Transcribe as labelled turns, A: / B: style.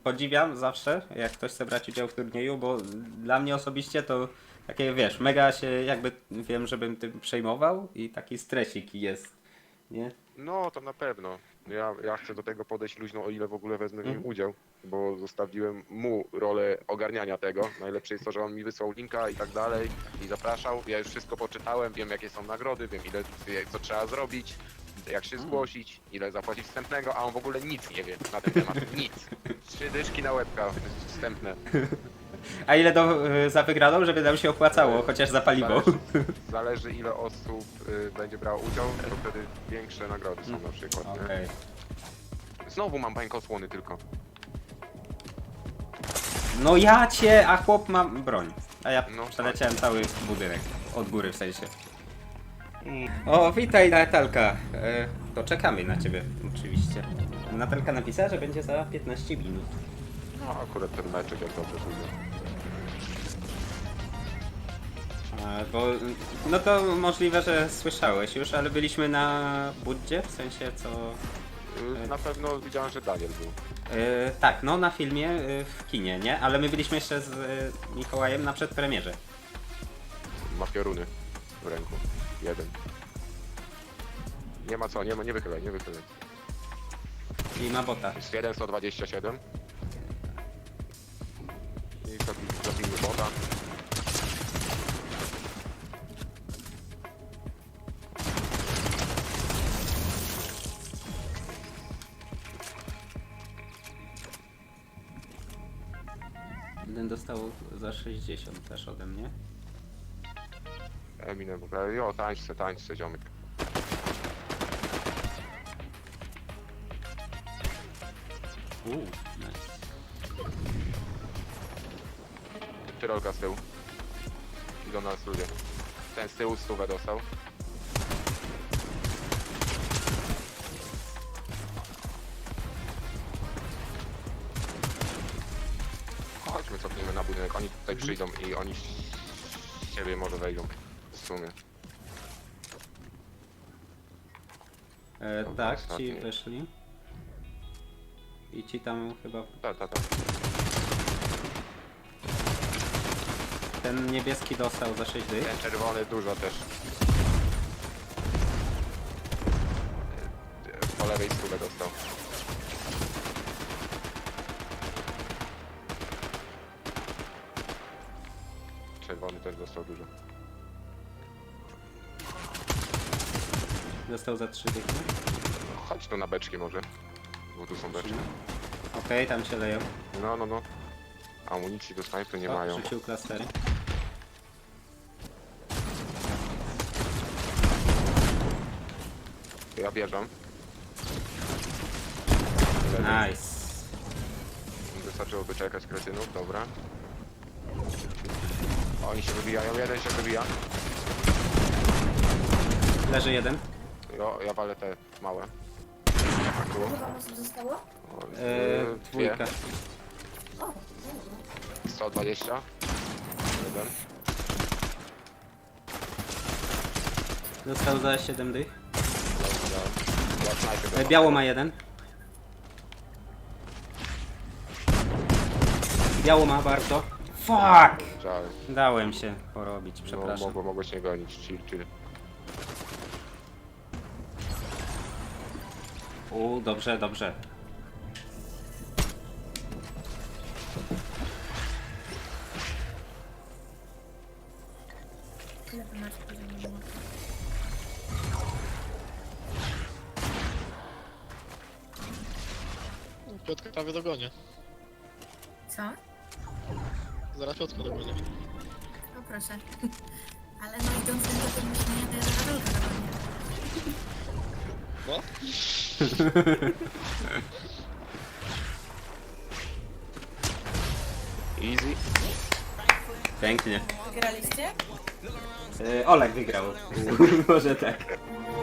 A: Podziwiam zawsze, jak ktoś chce brać udział w turnieju, bo dla mnie osobiście to takie, wiesz, mega się jakby wiem, żebym tym przejmował i taki stresik jest, nie?
B: No, to na pewno. Ja chcę do tego podejść luźno, o ile w ogóle wezmę w nim
A: Mhm.
B: udział, bo zostawiłem mu rolę ogarniania tego. Najlepsze jest to, że on mi wysłał linka i tak dalej i zapraszał. Ja już wszystko poczytałem, wiem jakie są nagrody, wiem ile co trzeba zrobić, jak się zgłosić, ile zapłacić wstępnego, a on w ogóle nic nie wie na ten temat. Nic. 3 dyszki na łebka wstępne.
A: A ile za wygraną, żeby nam się opłacało, chociaż za paliwo?
B: Zależy ile osób będzie brało udział, to wtedy większe nagrody są na przykład. Nie?
A: Okej.
B: Znowu mam bańkosłony tylko.
A: No ja cię, a chłop ma broń. A ja
B: No,
A: przeleciałem cały budynek. Od góry w sensie. O, witaj Natalka. To czekamy na ciebie, oczywiście. Natalka napisała, że będzie za 15 minut.
B: No akurat ten meczek jak dobrze pójdzie.
A: Bo, no to możliwe, że słyszałeś już, ale byliśmy na Buddzie, w sensie co...
B: Na pewno widziałem, że Daniel był.
A: Tak, no na filmie w kinie, nie? Ale my byliśmy jeszcze z Mikołajem na przedpremierze.
B: Ma pioruny w ręku. Jeden. Nie ma co, nie wychylaj, nie wychylaj.
A: I ma bota.
B: Jest 127. I zabijmy bota.
A: Jeden dostał za 60 też ode mnie.
B: Eminem, jo, tańczce, ziomek.
A: Nice.
B: Tyrolka z tyłu. Idą na nas ludzie. Ten z tyłu 100 dostał. Chodźmy, cofnijmy na budynek. Oni tutaj przyjdą i oni z siebie może wejdą. W sumie. Dobra,
A: Tak, ci
B: ostatni.
A: weszli. I ci tam chyba...
B: Tak.
A: Ten niebieski dostał za 6 dych.
B: Ten czerwony dużo też. Po lewej 100 dostał. Czerwony też dostał dużo.
A: Dostał za 3 dychy.
B: Chodź tu na beczki może. Bo tu są beczki.
A: Okej, tam się leją.
B: No. Amunicji do snajpy nie
A: O,
B: mają.
A: rzucił klastery.
B: Ja bierzam.
A: Nice.
B: Wystarczyłoby czekać kretynów, dobra. Oni się wybijają, jeden się wybija.
A: Leży jeden.
B: Ja walę te małe. Tu.
C: Ile wam osób zostało?
B: O,
A: Dwójka.
B: dwie.
C: O,
B: 120. Jeden.
A: Dostał za 7 dych.
B: Ja snajpę
A: Biało ma jeden. Biało ma bardzo. Fuck!
B: Żal.
A: Dałem się porobić,
B: No,
A: przepraszam.
B: mogłeś nie gonić. Chill.
A: Dobrze.
C: ile wy macie poziomu?
D: Piotrka prawie dogonię.
C: Co?
D: Zaraz Piotrka dogonię.
C: No proszę. Ale no idąc tym tokiem myślenia, to jest Karolka na mnie.
D: No?
B: Easy.
A: Pięknie.
C: Wygraliście?
A: Olek wygrał. Może tak.